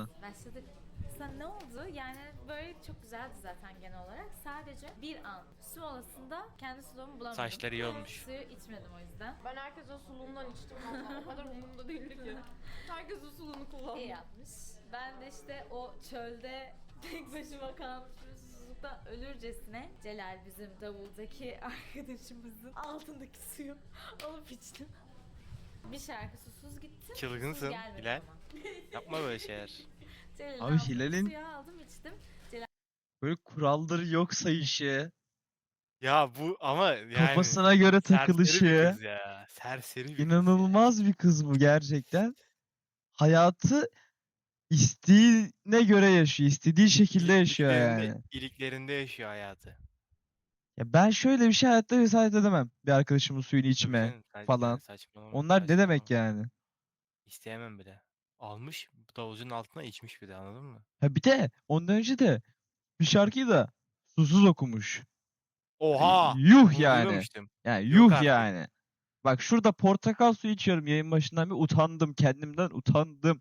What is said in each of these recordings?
Başladık. Sen ne oldu? Yani böyle çok güzeldi zaten genel olarak. Sadece bir an su molasında kendi suluğumu bulamadım. Saçları iyi olmuş. Suyu içmedim o yüzden. Ben herkesin suluğundan içtim valla. O kadar umurumda değildi ki. Herkesin suluğunu kullandım. İyi yapmış. Ben de işte o çölde tek başıma kalmış susuzluktan ölürcesine Celal bizim davuldaki arkadaşımızın altındaki suyu alıp içtim. Bir şarkı susuz gittim. Çılgınsın, Susuz gelmedi Hilal. ama. Yapma böyle şeyler. Celal'in Abi altındaki Hilal'in suyu aldım içtim. böyle kuralları yok sayışı, Ya bu ama yani kafasına göre serseri bir takılışı, kız ya. Serseri bir kız ya. inanılmaz bir kız bu gerçekten. Hayatı isteğine göre yaşıyor, istediği şekilde yaşıyor yani. İliklerinde yaşıyor hayatı. Ya ben şöyle bir şey hayatta cesaret edemem. Bir arkadaşımın suyunu Tabii içme canım yani falan. saçmalama Onlar ne demek saçmalama. yani? İsteyemem bile. Almış davulcunun altına içmiş bir de anladın mı? Ha bir de ondan önce de bir şarkıyı da susuz okumuş. Oha! Yuh Bunu yani. duymamıştım. Yani Yok yuh artık. yani. Bak şurada portakal suyu içiyorum yayın başından bir utandım. Kendimden utandım.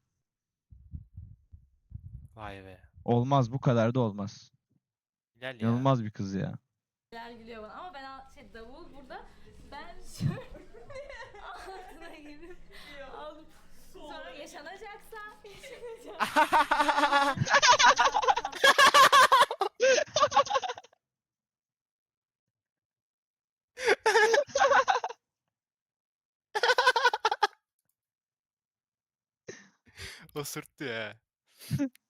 Vay be. Olmaz bu kadar da olmaz. Hilal ya. İnanılmaz bir kız ya. Celal gülüyor bana ama ben davul burada ben şöyle altına girip alıp sonra yaşanacaksa O sırttı ya.